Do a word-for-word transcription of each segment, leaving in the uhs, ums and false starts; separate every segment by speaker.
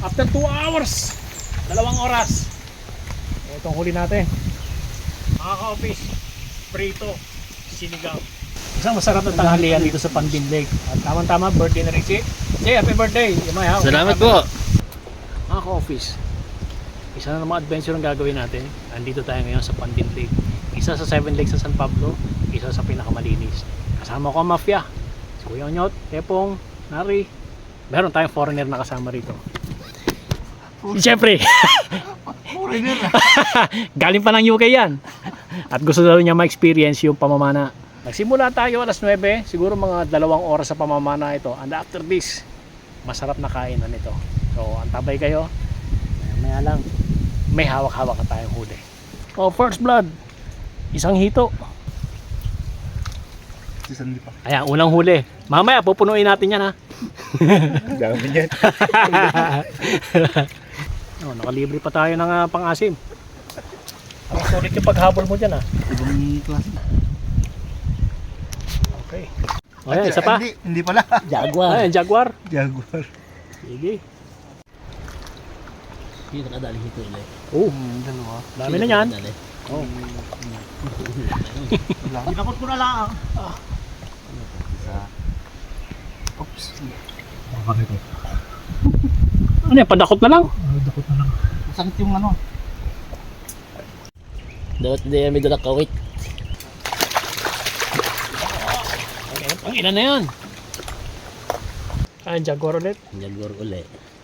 Speaker 1: After two hours, dalawang oras, itong huli natin. Mga ka-office, prito, sinigang. Isang masarap na tanghalian dito sa Pandin Lake. At tamang-tama, birthday na rin si Jay, happy birthday! Yamay,
Speaker 2: Salamat po!
Speaker 1: Mga ka-office, isa na namang adventure ang gagawin natin. Andito tayo ngayon sa Pandin Lake. Isa sa Seven Lakes sa San Pablo, isa sa pinakamalinis. Kasama ko ang mafia. Si Kuya Onyot, Tepong, Nari. Meron tayong foreigner na kasama rito. Siyempre!
Speaker 2: Foreigner na!
Speaker 1: Galing pa ng U K yan. At gusto daw niya ma-experience yung pamamana. Nagsimula tayo alas nuwebe, siguro mga dalawang oras sa pamamana ito. And after this, masarap na kainan ito. So, antabay kayo. Maya lang, may hawak-hawak na tayong huli. Oh, first blood. Isang hito.
Speaker 2: Sisandi pa.
Speaker 1: Ayan, unang huli. Mamaya, pupunuin natin yan ha.
Speaker 2: Dami niyan.
Speaker 1: Oh, nakalibre pa tayo ng uh, pang-asim. Ang sulit yung paghabol mo dyan ha.
Speaker 2: Ibang klase.
Speaker 1: Okay. O yan, isa pa.
Speaker 2: Hindi, hindi pala.
Speaker 1: Jaguar. Ayan, Jaguar.
Speaker 2: Jaguar.
Speaker 1: Sige.
Speaker 3: Hindi nakadali hito ulit.
Speaker 1: Oh,
Speaker 2: Hmm, dalawa.
Speaker 1: dami na yan. Oh.
Speaker 2: Ginakot ko na lang. Ah. Isa. Oops. Bakit ito?
Speaker 1: Ano yan, padakot na lang?
Speaker 2: Dakot na lang. Masakit yung ano.
Speaker 3: Dapat hindi yan may dala kawit.
Speaker 1: Okay, ang ina na yan. Ayan, Jaguar ulit.
Speaker 3: Jaguar ulit.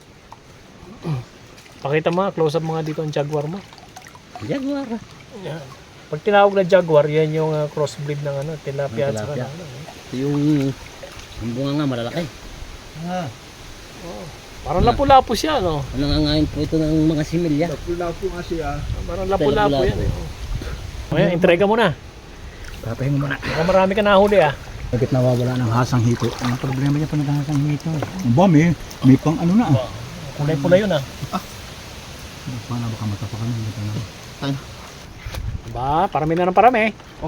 Speaker 1: Pakita mo, close up mga dito ang Jaguar mo.
Speaker 3: Jaguar.
Speaker 1: Yan. Pag tinawag na Jaguar, yan yung uh, crossbreed ng ano, tilapia at saka
Speaker 3: Tilapia.
Speaker 1: ano. eh.
Speaker 3: Ito yung ang bunga nga malalaki.
Speaker 2: Ah.
Speaker 1: Oh. Parang lapu-lapu siya, no?
Speaker 3: Ano nga ngayon po ito ng mga similya.
Speaker 2: Pula po nga siya.
Speaker 1: Parang lapu-lapu yan. Eh. Oh. Ayan, entrega mo na.
Speaker 2: Papahinga muna.
Speaker 1: Baka marami ka nahuli ah.
Speaker 2: Bakit nawawala ng hasang hito? Ang problema niya pa naghahasang hito. Ang ba, may, may pang ano na. Ah.
Speaker 1: Kulay-pula yun ah.
Speaker 2: Paano baka matapakan ng hito na? Tayo.
Speaker 1: Ba, parami na ng parami.
Speaker 2: Oh.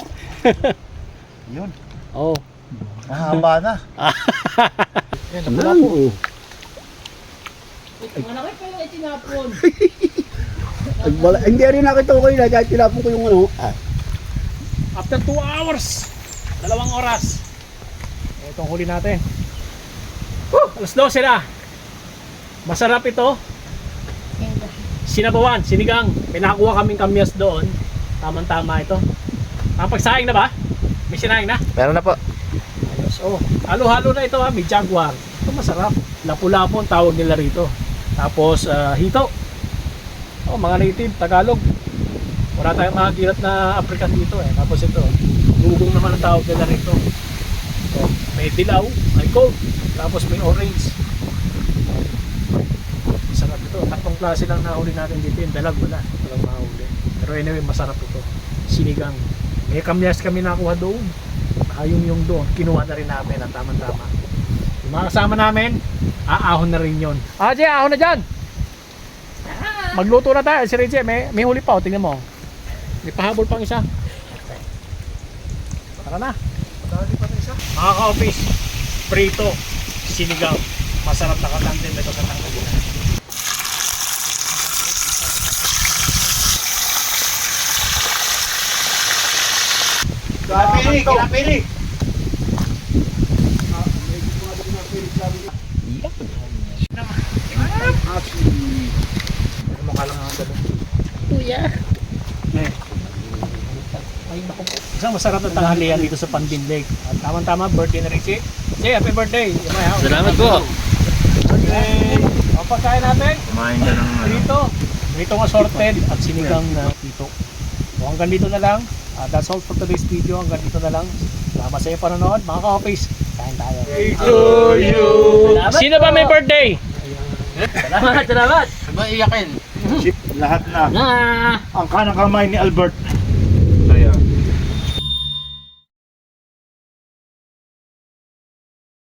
Speaker 2: Yun.
Speaker 1: Oh.
Speaker 2: Mahaba na.
Speaker 1: Yan, lapu-lapu.
Speaker 2: Oo.
Speaker 3: Malaki pa yung itinapon.
Speaker 2: Wala, hindi rin nakita ko kayo na dahil tinapon ko yung ano. Ah.
Speaker 1: After two hours, dalawang oras, itong huli natin. Woo! alas dose na. Masarap ito. Sinabawan, sinigang. Pinakuha kaming kamyas doon. Tamang-tama ito. Nakapagsaing na ba? May sinaing na?
Speaker 2: Meron na po.
Speaker 1: Ayos. Oh, halo-halo na ito ha. May Jaguar. Ito masarap. Lapu-lapu ang tawag nila rito. Tapos uh, hito. Oh, mga native, Tagalog. Wala tayong mga girat na African dito eh. Tapos ito, dugong naman ang tawag nila rito. So, may dilaw, may gold, tapos may orange. Masarap ito. Tatlong klase lang nahuli natin dito. Yung dalag wala. Walang mahuli. Pero anyway, masarap ito. Sinigang. May kamyas kami nakuha doon. Ayong yung doon. Kinuha na rin namin at tama-tama. Yung mga kasama namin, aahon na rin yun. Ah, Jay, ahon na dyan! Magluto na tayo. Si Reggie, may, may huli pa. O, tingnan mo. May pahabol pang isa. Tara na. Mga ka-office, prito, sinigang. Masarap na katandem ito sa tanggalan.
Speaker 2: Kinapili, kinapili.
Speaker 1: Mukha lang ang gano'n.
Speaker 3: Kuya.
Speaker 1: Eh. Ay, naku po. Isang masarap na tanghalian dito sa Pandin Lake. At tamang-tama, birthday na rin si Jay, happy birthday! Yamay, ha?
Speaker 3: Salamat po.
Speaker 1: Okay. Ang pagkain natin,
Speaker 2: Kumain ka ng
Speaker 1: prito. Pritong assorted at sinigang na prito. So hanggang dito na lang. Uh, that's all for today's video. Hanggang dito na lang. Salamat sa iyo panonood. Mga ka-office, kain tayo.
Speaker 2: to you.
Speaker 1: Sino ba may birthday?
Speaker 3: Salamat, salamat.
Speaker 2: Ba iyakin? Lahat na.
Speaker 3: Na.
Speaker 2: Ang kanang kamay ni Albert. Kaya.